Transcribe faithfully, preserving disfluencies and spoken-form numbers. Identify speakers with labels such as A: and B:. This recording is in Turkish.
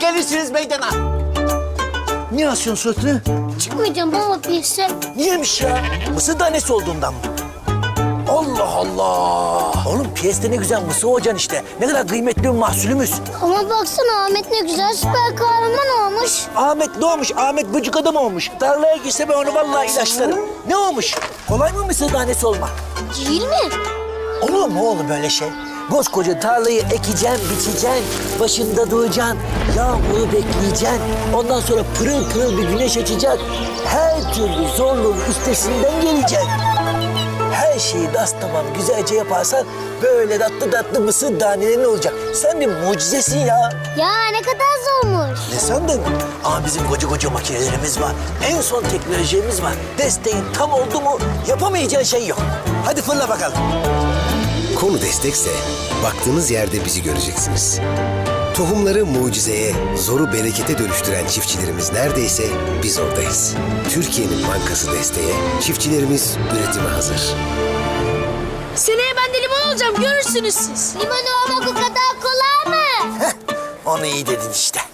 A: gelirsiniz meydana. Niye asıyorsun suratını?
B: Çıkmayacağım baba piyese.
A: Niyemiş ya? Mısır tanesi olduğundan mı? Allah Allah! Oğlum piyeste ne güzel mısır olacaksın işte. Ne kadar kıymetli bir mahsulümüz.
B: Ama baksana Ahmet ne güzel süper kahraman olmuş.
A: Ahmet ne olmuş? Ahmet böcük adam olmuş. Tarlaya girse ben onu vallahi ilaçlarım. Ne olmuş? Kolay mı mısır tanesi olmak?
B: Değil mi?
A: Olur mu oğlum böyle şey? Koskoca tarlayı ekeceksin, biçeceksin, başında duracaksın, yağmuru bekleyeceksin. Ondan sonra pırıl pırıl bir güneş açacak. Her türlü zorluğun üstesinden geleceksin. Her şeyi das tamam güzelce yaparsan böyle tatlı tatlı mısır tanelerin olacak. Sen bir mucizesin ya.
B: Ya ne kadar zormuş.
A: Ne sandın? Ama bizim koca koca makinelerimiz var. En son teknolojimiz var. Desteğin tam oldu mu yapamayacağın şey yok. Hadi fırla bakalım.
C: Konu destekse baktığınız yerde bizi göreceksiniz. Tohumları mucizeye, zoru berekete dönüştüren çiftçilerimiz neredeyse biz oradayız. Türkiye'nin bankası desteğe, çiftçilerimiz üretime hazır.
D: Seneye ben de limon olacağım, görürsünüz siz.
B: Limon olmak o kadar kolay mı?
A: Heh, onu iyi dedin işte.